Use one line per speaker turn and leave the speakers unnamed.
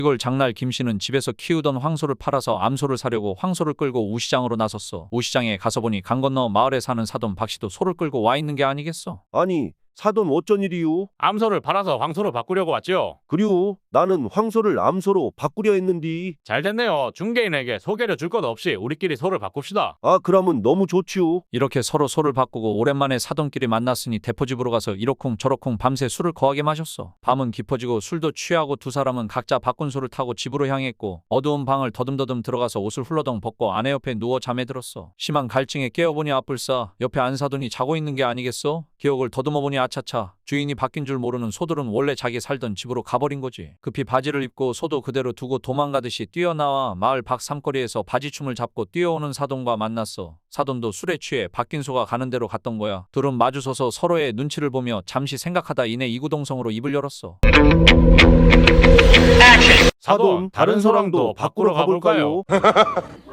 이걸 장날 김씨는 집에서 키우던 황소를 팔아서 암소를 사려고 황소를 끌고 우시장으로 나섰어. 우시장에 가서 보니 강 건너 마을에 사는 사돈 박씨도 소를 끌고 와 있는 게 아니겠어.
아니, 사돈 어쩐 일이유?
암소를 팔아서 황소로 바꾸려고 왔지요.
그리고 나는 황소를 암소로 바꾸려 했는디.
잘 됐네요. 중개인에게 소개를 줄 것 없이 우리끼리 소를 바꿉시다.
아, 그러면 너무 좋지요.
이렇게 서로 소를 바꾸고 오랜만에 사돈끼리 만났으니 대포집으로 가서 이러쿵 저러쿵 밤새 술을 거하게 마셨어. 밤은 깊어지고 술도 취하고 두 사람은 각자 바꾼 소를 타고 집으로 향했고 어두운 방을 더듬더듬 들어가서 옷을 훌러덩 벗고 아내 옆에 누워 잠에 들었어. 심한 갈증에 깨어보니 아뿔싸 옆에 안 사돈이 자고 있는 게 아니겠어? 기억을 더듬어보니 아차차 주인이 바뀐 줄 모르는 소들은 원래 자기 살던 집으로 가버린 거지. 급히 바지를 입고 소도 그대로 두고 도망가듯이 뛰어나와 마을 밖 삼거리에서 바지춤을 잡고 뛰어오는 사돈과 만났어. 사돈도 술에 취해 바뀐 소가 가는 대로 갔던 거야. 둘은 마주서서 서로의 눈치를 보며 잠시 생각하다 이내 이구동성으로 입을 열었어.
사돈, 다른 소랑도 바꾸러 가볼까요?